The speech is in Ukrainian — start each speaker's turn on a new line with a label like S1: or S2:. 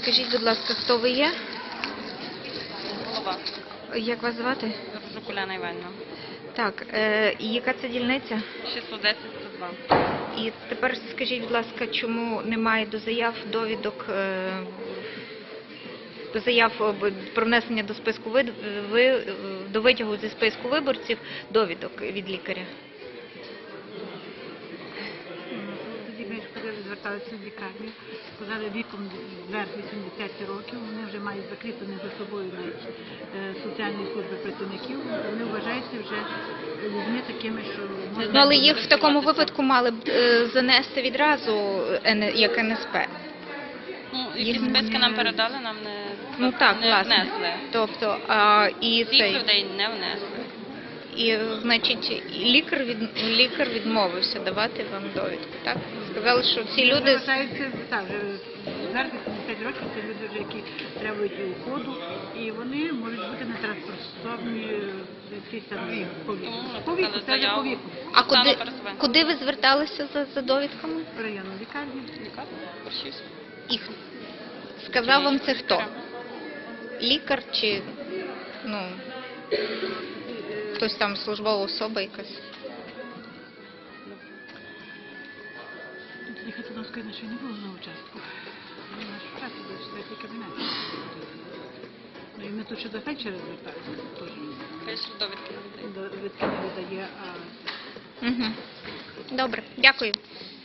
S1: Скажіть, будь ласка, хто ви є?
S2: Голова.
S1: Як вас звати?
S2: Жукуляна Іванівна.
S1: Так, і яка це дільниця?
S2: 610-102.
S1: І тепер скажіть, будь ласка, чому немає до заяв довідок, до заяв про внесення до списку до витягу зі списку виборців довідок від лікаря?
S3: Тоді ми зверталися в лікарню, сказали віком вверх 80 років, вони вже мають закріплені за собою навіть соціальні служби працівників, вони вважаються вже людьми такими, що можна...
S1: Ну, але їх в такому випадку мали б занести відразу як НСП.
S2: Ну, якісь списки нам передали, нам
S1: Ну так,
S2: не
S1: власне.
S2: внесли.
S1: Тобто, і
S2: Всіх
S1: цей...
S2: людей не внесли.
S1: І, значить, лікар відмовився давати вам довідку, так? Сказали, що ці люди...
S3: Вважаються, так, вже зараз 80 років, це люди вже, які требують уходу, і вони можуть бути нетранспортовані якісь там по віку, це вже по віку.
S1: А куди ви зверталися за довідками?
S3: В районну лікарню.
S1: І сказав вам це хто? Лікар чи, ну, хтось там, службова особа якась?
S3: Їхати до нас, звісно, не було на участку. Ми наш участок до четвертий кабінет. Ну і ми тут ще до фельдшера зверталися, теж
S2: Фельдшер довідки не видає.
S3: довідки не видає, а...
S1: Угу. Добре, дякую.